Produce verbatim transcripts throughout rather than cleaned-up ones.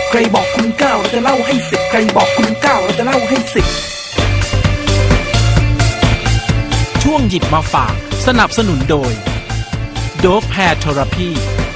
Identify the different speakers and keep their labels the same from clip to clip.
Speaker 1: ใครบอกคุณเก้าเราจะเล่าให้สิบใครบอกคุณเก้าเราจะเล่าให้สิบช่วงหยิบมาฝากสนับสนุนโดย Dove Hair Therapy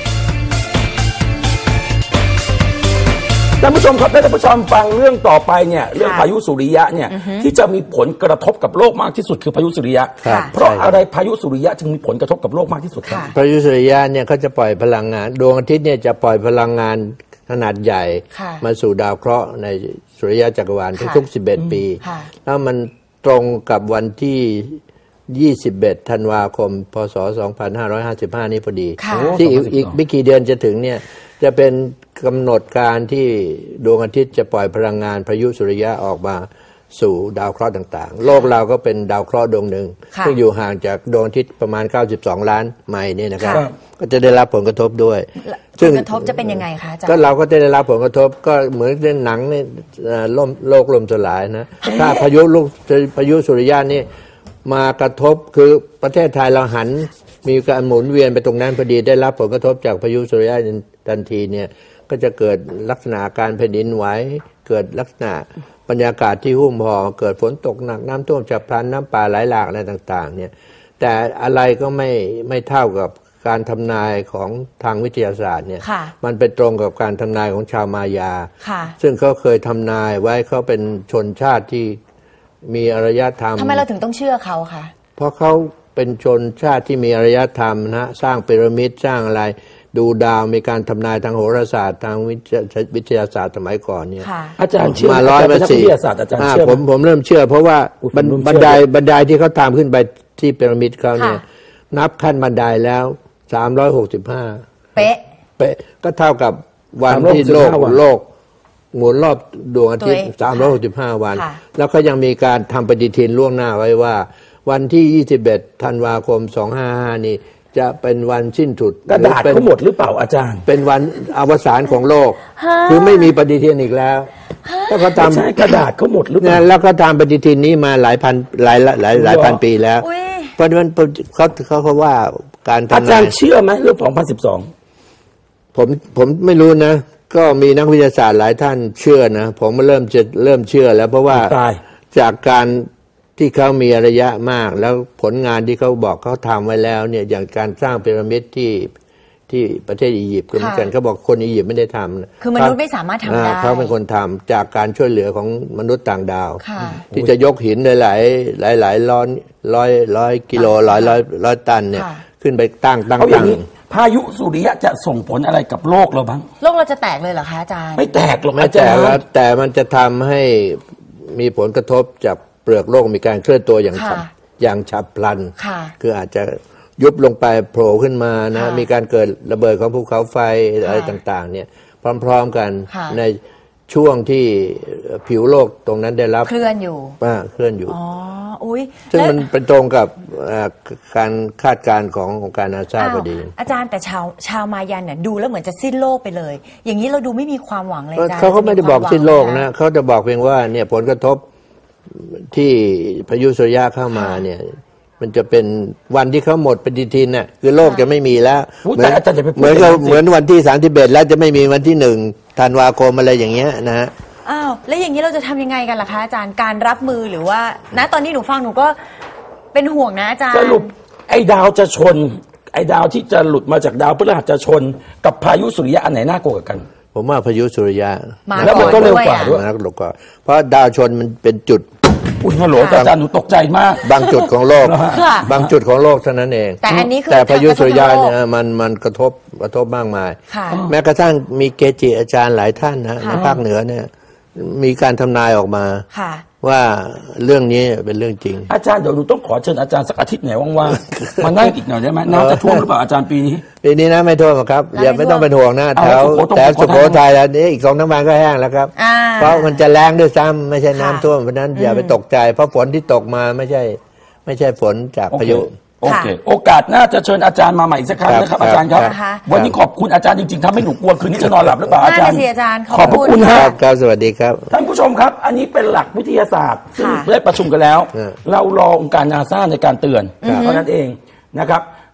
Speaker 2: ท่านผู้ชมครับท่านผู้ชมฟังเรื่องต่อไปเนี่ยเรื่องพายุสุริยะเนี่ยที่จะมีผลกระทบกับโลกมากที่สุดคือพายุสุริยะเพราะอะไรพายุสุริยะจึงมีผลกระทบกับโลกมากที่สุดครับ
Speaker 3: พายุสุริยะเนี่ยเขาจะปล่อยพลังงานดวงอาทิตย์เนี่ยจะปล่อยพลังงานขนาดใหญ่มาสู่ดาวเคราะห์ในสุริยะจักรวาลทุกๆสิบเอ็ดปีแล้วมันตรงกับวันที่ยี่สิบเอ็ดธันวาคมพศสองพันห้าร้อยห้าสิบห้านี้พอดีที่อีกไม่กี่เดือนจะถึงเนี่ยจะเป็นกำหนดการที่ดวงอาทิตย์จะปล่อยพลังงานพายุสุริยะออกมาสู่ดาวเคราะห์ต่างๆโลกเราก็เป็นดาวเคราะห์ดวงหนึ่งซึ่งอยู่ห่างจากดวงอาทิตย์ประมาณเก้าสิบสองล้านไมล์นี่นะครับก็จะได้รับผลกระทบด้วย
Speaker 4: ผลกระทบจะเป็นยังไงคะอาจารย์
Speaker 3: ก็เราก็จะได้รับผลกระทบก็เหมือนในหนังเนี่ยล่มโลกล่มสลายนะถ้าพายุลูกพายุสุริยะนี่มากระทบคือประเทศไทยเราหันมีการหมุนเวียนไปตรงนั้นพอดีได้รับผลกระทบจากพายุสุริยะทันทีเนี่ยก็จะเกิดลักษณะการแผ่นดินไหวเกิดลักษณะบรรยากาศที่หุ้มห่อเกิดฝนตกหนักน้ำท่วมฉับพลันน้ำป่าไหลหลากอะไรต่างๆเนี่ยแต่อะไรก็ไม่ไม่เท่ากับการทำนายของทางวิทยาศาสตร์เนี่ยมันเป็นตรงกับการทำนายของชาวมายาซึ่งเขาเคยทำนายไว้เขาเป็นชนชาติที่มีอารยธรรม
Speaker 4: ทำไมเราถึงต้องเชื่อเขาคะ
Speaker 3: เพราะเขาเป็นชนชาติที่มีอารยธรรมนะสร้างพีระมิดสร้างอะไรดูดาวมีการทำนายทางโหราศาสตร์ทางวิทยาศาสตร์สมัยก่อนเนี่ย
Speaker 2: อาจารย์เชื่อ
Speaker 3: มาร้อยมาสี่
Speaker 2: วิทยาศาสตร์อาจารย์เชื่อ
Speaker 3: ผมผมเริ่มเชื่อเพราะว่าบันไดบันไดที่เขาทำขึ้นไปที่พีระมิดเขาเนี่ยนับขั้นบันไดแล้วสามร้อยหกสิบห้า
Speaker 4: เป๊ะ
Speaker 3: เป๊ะก็เท่ากับวันที่โลกโลกหมุนรอบดวงอาทิตย์สามร้อยหกสิบห้าวันแล้วก็ยังมีการทำปฏิทินล่วงหน้าไว้ว่าวันที่ยี่สิบเอ็ดธันวาคมสองห้าห้านี้จะเป็นวันสิ้นสุด
Speaker 2: กระดาษเขาหมดหรือเปล่าอาจารย์
Speaker 3: เป็นวันอวสานของโลกคือไม่มีปฏิทินอีกแล้วแล้วก็ทำ
Speaker 2: กระดาษเขาหมดหรือเปล่า
Speaker 3: แล้วก็ทำปฏิทินนี้มาหลายพันหลายหลายหลายพันปีแล้วเพราะฉะนั้นเขาเขาเขาว่าการทำ
Speaker 2: อาจารย์เชื่อไหมเรื่องสองพันสิบสอง
Speaker 3: ผมผมไม่รู้นะก็มีนักวิทยาศาสตร์หลายท่านเชื่อนะผมเริ่มจะเริ่มเชื่อแล้วเพราะว่าจากการที่เขามีระยะมากแล้วผลงานที่เขาบอกเขาทำไว้แล้วเนี่ยอย่างการสร้างพีระมิดที่ที่ประเทศอียิปต์ก็เหมือนกันเขาบอกคนอียิปต์ไม่ได้ทำ
Speaker 4: คือมนุษย์ไม่สามารถทำได้
Speaker 3: เขาเป็นคนทำจากการช่วยเหลือของมนุษย์ต่างดาวที่จะยกหินหลายหลายหลายร้อยร้อยร้อยกิโลร้อยร้อยร้อยตันเนี่ยขึ้นไปตั้งตั้งตั้ง
Speaker 2: พายุสุริยะจะส่งผลอะไรกับโลกเราบ้าง
Speaker 4: โลกเราจะแตกเลยเหรอคะอาจารย์
Speaker 2: ไม่แตกหรอก
Speaker 3: ไม่แตกแล้วแต่มันจะทำให้มีผลกระทบจากเปลือกโลกมีการเคลื่อนตัวอย่างฉับอย่างฉับพลันคืออาจจะยุบลงไปโผล่ขึ้นมานะมีการเกิดระเบิดของภูเขาไฟอะไรต่างๆเนี่ยพร้อมๆกันในช่วงที่ผิวโลกตรงนั้นได้รับ
Speaker 4: เคลื่อนอยู่
Speaker 3: อ่าเคลื่อนอยู่
Speaker 4: อ๋ออุ้ย
Speaker 3: ซึ่งมันเป็นตรงกับการคาดการณ์ขององค์การนาซาพอดี
Speaker 4: อาจารย์แต่ชาวชาวมายันเนี่ยดูแล้วเหมือนจะสิ้นโลกไปเลยอย่างนี้เราดูไม่มีความหวังเลยอาจารย์
Speaker 3: เขาก็ไม่ได้บอกสิ้นโลกนะเขาจะบอกเพียงว่าเนี่ยผลกระทบที่พายุสุริยะเข้ามาเนี่ยมันจะเป็นวันที่เขาหมดปฏิทินน่ะคือโลกจะไม่มีแล้วเหมือนเหมือนกับเหมือนวันที่สามสิบเอ็ดแล้วจะไม่มีวันที่หนึ่งธันวาคมอะไรอย่างเงี้ยนะฮะ
Speaker 4: อ้าวแล้วอย่างนี้เราจะทำยังไงกันล่ะคะอาจารย์การรับมือหรือว่าณตอนนี้หนูฟังหนูก็เป็นห่วงนะอาจารย์
Speaker 2: สรุปไอ้ดาวจะชนไอ้ดาวที่จะหลุดมาจากดาวพฤหัสจะชนกับพายุสุริยะอันไหนน่ากลัวกัน
Speaker 3: ผมว่าพายุสุริยะ
Speaker 2: แล้วมันก็เร็วกว่าด้วย
Speaker 3: นะเร็วกว่าเพราะดาวชนมันเป็นจุด
Speaker 2: อุ้ยฮัลโหลอาจารย์หนูตกใจมาก
Speaker 3: บางจุดของโลกบางจุดของโลกเท่านั้นเอง
Speaker 4: แต่อันนี้คือ
Speaker 3: แต่พายุสุริยะเนี่ยมันมันกระทบกระทบมากมายแม้กระทั่งมีเกจิอาจารย์หลายท่านนะในภาคเหนือเนี่ยมีการทำนายออกมาว่าเรื่องนี้เป็นเรื่องจริง
Speaker 2: อาจารย์เดี๋ยวหนูต้องขอเชิญอาจารย์สักอาทิตย์ไหนว่างๆมานั่งอีกหน่อยได้ไหมน้ำจะท่วมหรือเปล่าอาจารย์ปีนี้
Speaker 3: ปีนี้นะไม่ท่วมครับอย่าไม่ต้องเป็นห่วงนะแถวแต่สุโขทัยแล้วนี่อีกสองน้ำมันก็แห้งแล้วครับเพราะมันจะแรงด้วยซ้ำไม่ใช่น้ำท่วมเพราะนั้นอย่าไปตกใจเพราะฝนที่ตกมาไม่ใช่ไม่ใช่ฝนจากพายุ
Speaker 2: โอเคโอกาสหน้าจะเชิญอาจารย์มาใหม่อีกสักครั้งนะครับอาจารย์ครับวันนี้ขอบคุณอาจารย์จริงๆทำให้หนูกลัวคืนนี้จะนอนหลับหรือเปล่าอาจารย์ขอบพระคุณครับ
Speaker 3: ครับสวัสดีครับ
Speaker 2: ท่านผู้ชมครับอันนี้เป็นหลักวิทยาศาสตร์ซึ่งได้ประชุมกันแล้วเรารอองค์การนาซาในการเตือนเท่านั้นเองนะครับ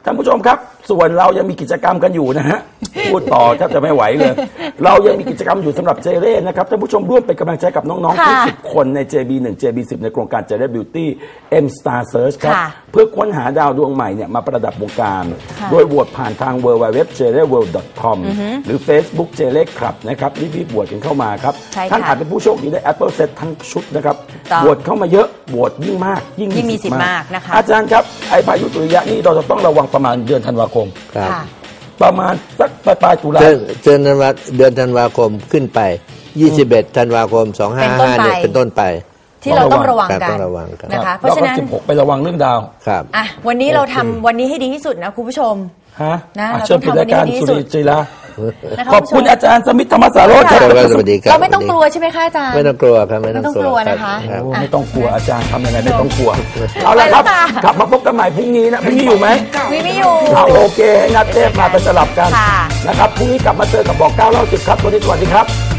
Speaker 2: ท่านผู้ชมครับส่วนเรายังมีกิจกรรมกันอยู่นะฮะพูดต่อแทบจะไม่ไหวเลยเรายังมีกิจกรรมอยู่สำหรับเจเร่นะครับท่านผู้ชมร่วมเป็นกำลังใจกับน้องๆทั้งสิบคนใน เจ บี หนึ่ง เจ บี สิบ ในโครงการเจเร่บิวตี้ M Star Search ครับเพื่อค้นหาดาวดวงใหม่เนี่ยมาประดับวงการโดยโหวตผ่านทาง ดับเบิลยู ดับเบิลยู ดับเบิลยู ดอท เจ เร่ เวิลด์ ดอท คอม หรือ Facebook เจเร่คลับนะครับรีบๆโหวตกันเข้ามาครับท่านอาจเป็นผู้โชคดีได้ Apple Set ทั้งชุดนะครับโหวตเข้ามาเยอะโหวตยิ่งมากยิ่งมีสิทธิ์มากนะคะอาจารย์ครับไอ้พายุสุริยะนี่เราจะต้องระวังประมาณเดือนธันวาคม
Speaker 3: ครับ
Speaker 2: ประมาณสักปลายปลายตุลา
Speaker 3: เดือนธันวาเดือนธันวาคมขึ้นไปยี่สิบเอ็ดธันวาคมสองห้าห้าเนี่ยเป็นต้นไป
Speaker 4: ที่เราต้องระวังกัน
Speaker 3: นะคะ
Speaker 4: เพราะฉะนั้น
Speaker 2: สิบหกไประวังเรื่องดาว
Speaker 3: ครับ
Speaker 4: อ่ะวันนี้เราทำวันนี้ให้ดีที่สุดนะคุณผู้ชม
Speaker 2: ฮะ
Speaker 4: นะ
Speaker 2: เชิญปิดรายการสุริจีรา
Speaker 4: ข
Speaker 2: อบคุณอาจารย์สมิทธธรรมสารโรจน์ครับ
Speaker 4: เราไม่ต้องกลัวใช่ไหมคะอาจารย์
Speaker 3: ไม่ต้องกลัวครับไม่ต้อง
Speaker 4: กลัวนะคะ
Speaker 2: ไม่ต้องกลัวอาจารย์ทำยังไงไม่ต้องกลัวเอาละครับกลับมาพบกันใหม่พรุ่งนี้นะพรุ่งนี้อยู่ไหม
Speaker 4: มีไม่อยู่
Speaker 2: โอเคให้นัดเทพมาไปสลับกันนะครับพรุ่งนี้กลับมาเจอกับบอกเก้าเล่าสิบครับวันนี้สวัสดีครับ